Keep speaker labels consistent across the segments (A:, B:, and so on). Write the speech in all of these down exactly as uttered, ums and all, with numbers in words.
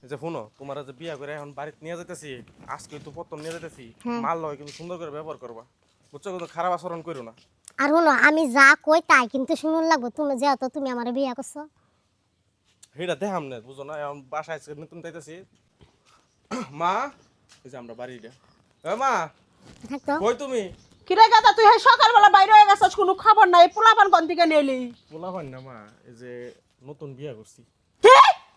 A: যে শুনো তোমার যে বিয়া করে এখন বাড়িতে নিয়ে যাইতেছি আজকে তো প্রথম নিয়ে যাইতেছি মাল লয় কিন্তু সুন্দর করে ব্যবহার করবা বুঝছো কিন্তু খারাপ আচরণ করো না
B: আর হলো আমি যা কই তাই কিন্তু শুনুন লাগবো তুমি যেহেতু তুমি আমার বিয়ে করছো
A: হেটা দেখাম না বুঝো না এখন বাসায় আজকে নতুন যাইতেছি মা এই যে আমরা বাড়িটা এ মা
B: থাকতো
A: কই তুমি
C: কিরে গাদা তুই এই সকালবেলা বাইরে হয়ে গেছিস কোনো খবর নাই পোলাপান কোন থেকে নিলি
A: বলা হয় না মা এই যে নতুন বিয়া করছি
C: কি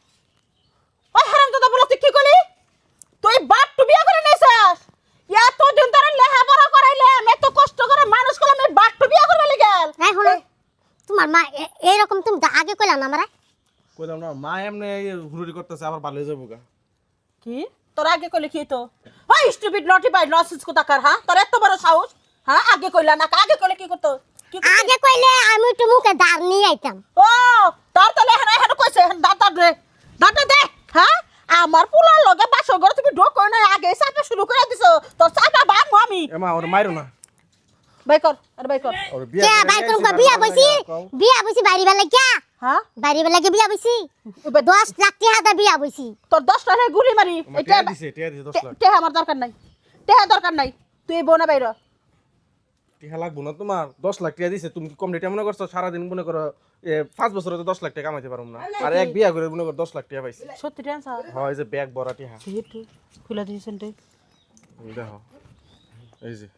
C: ওই হারাম দাদা বলে তুই কি করলি তুই বাপ টু বিয়ে করে নিয়েছিস এত দিন ধরে লেখাপড়া করাইলে আমি এত কষ্ট করে মানুষ করলাম এই বাপ টু বিয়ে করবে গেল
B: এই হলো তোমার মা এ- এইরকম তুমি তো আগে কইলা না আমারে
A: কইলাম না মা এমনি হুড়ুড়ি করতেছে আবার ভালো হয়ে যাবো গা
C: কি তোর আগে কইলে কি তো ওই স্টুপিড নটি বাই নসেন্স কোথাকার হ্যাঁ তোর এত বড় সাহস হ্যাঁ আগে কইলা না আগে কইলে কি করতো কি করতো?
B: আগে কইলে আমি একটু মুখে দাঁড় নিয়ে আইতাম
C: ও তার তাহলে এখানে এখানে কইছে এখন দাঁতা দে দাঁতা দে হ্যাঁ আমার পোলার লগে বাসর ঘরে তুমি ঢোক করে না আগে চাপা শুরু করে দিছো তোর চাপা বানবো আমি
A: এ মা ওর মাইরো না
C: বাই কর আরে বাই কর
A: ওর
B: কে ভাই কোন বিয়া বইছি বিয়া বইছি বাড়ি বেলা কে
C: হ্যাঁ
B: বাড়ি বেলা কে বিয়া বইছি দশ লাখ টাকা দা বিয়া বইছি
C: তোর দশ টাকা গুলি মারি
A: টিয়া দিছে টিয়া দিছে দশ লাখ
C: টেহা আমার দরকার নাই টেহা দরকার নাই তুই এই বোনা বাইর
A: টিয়া লাগবো না তোমার দশ লাখ টাকা দিছে তুমি কি কম রেটে মনে করছো সারাদিন মনে করো এ পাঁচ বছরে তো দশ লাখ টাকা কামাইতে পারবো না আর এক বিয়া করে মনে করো দশ লাখ টাকা পাইছি
C: সত্যি টেনশন
A: হয় এই যে ব্যাগ ভরা টিয়া
C: একটু খুলে দিয়েছেন রে
A: দেখো এই যে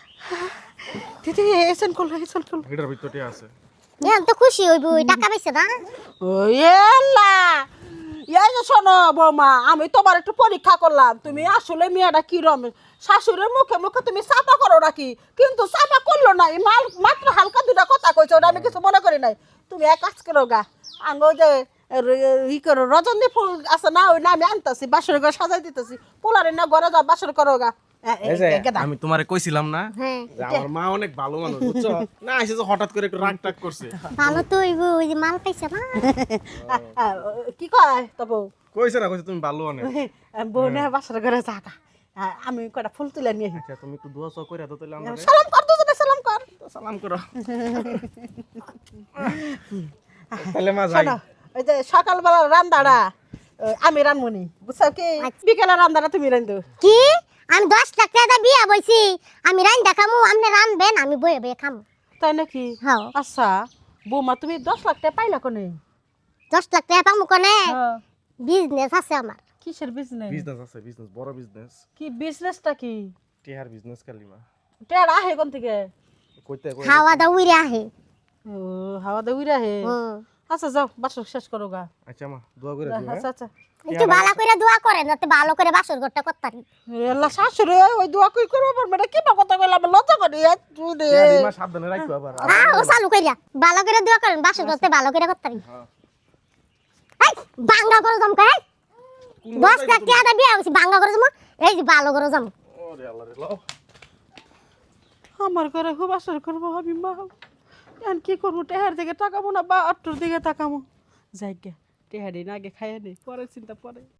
C: দিদি এসেন কল এসেন কল
A: এটার ভিতর টিয়া আছে
B: এখন তো খুশি হইব টাকা পাইছে না
C: ওয়েলা এই যে শোনো বৌমা আমি তোমার একটু পরীক্ষা করলাম তুমি আসলে মেয়েটা কিরম শাশুড়ির মুখে মুখে তুমি চাপা করো নাকি কিন্তু চাপা করলো না এই মাল মাত্র হালকা দুটা কথা কইছো ওটা আমি কিছু মনে করি নাই তুমি এক কাজ করো গা আঙ্গো যে র- ই করো রজনী ফুল আছে না ওই না আমি আনতেছি বাসর ঘর সাজাই দিতেছি পোলারে না ঘরে যাও বাসর করো গা এ- এ-
A: এই যে
C: এ- গেদা।
A: আমি তোমারে কইছিলাম না
B: হ্যাঁ
A: যে আমার মা অনেক ভালো মানুষ বুঝছো না এসে যে হঠাৎ করে একটু রাগ টাগ করছে
B: ভালো তো হইব ওই যে মাল পাইছে না
C: আ, কি কয় তো বউ
A: কইছে না কইছে তুমি ভালো অনেক
C: বউ না বাসর ঘরে যাগা আমি কয়টা ফুল তুলে নিয়ে আসি।
A: আচ্ছা তুমি একটু দোয়া চা কইরা দাও তাহলে আমারে
C: সালাম কর দুজনে সালাম কর
A: সালাম করো তাহলে মা যাই
C: শোনো, ওই যে সকালবেলা রান্দাটা ওই আমি রানমনি বুঝছো কি বিকেলে রান্দাটা তুমি রান্ধো
B: কি আমি দশ লাখ টাকা দা বিয়া বইছি আমি রান দেখামু আপনি রানবেন আমি বয়ে বয়ে খামু
C: তাই নাকি
B: হ্যাঁ
C: আচ্ছা বৌমা তুমি দশ লাখ টাকা পাইলা কোনে
B: দশ লাখ টাকা পামু কোনে
C: হ্যাঁ।
B: বিজনেস আছে আমার
C: কিসের বিজনেস
A: বিজনেস আছে বিজনেস বড় বিজনেস
C: কি বিজনেসটা কি
A: টিহার বিজনেস কালিমা
C: টেড়া আহে কোন থেকে
A: কইতে কই
B: খাওয়া দাওয়া উইরে আহে
C: ও হাওয়া দে উইরা হে
B: হুম।
C: আচ্ছা যাও বাসর শেষ করো গা
A: আচ্ছা মা দোয়া করে দিও
C: আচ্ছা আচ্ছা
B: একটু ভালো করে দোয়া করেন যাতে ভালো করে বাসর ঘরটা করতে পারি
C: এল্লা শাশুড়ি ওই দোয়া কই করবো পারবে কি বা কথা কইলাম লজ্জা করি তুই রে
A: টিহার মা সাবধানে রাখো আবার
B: হ্যাঁ ও চালু কইরা ভালো করে দোয়া করেন বাসর ঘরতে ভালো করে করতে পারি
A: হ্যাঁ।
B: এই বাঙ্গা করে জমকা এই দশ লাখ টাকা দা বিয়া বইছি বাঙ্গা করে জমা এই যে ভালো করে জম
A: ওরে আল্লাহ রে লাও
C: আমার ঘরে খুব আসর করবো আমি মা এখন কি করবো টেহার দিকে তাকাবো না বা অট্টোর দিকে তাকাবো যাই গে টেহারি না আগে খাইয়া নেই পরে চিন্তা পরে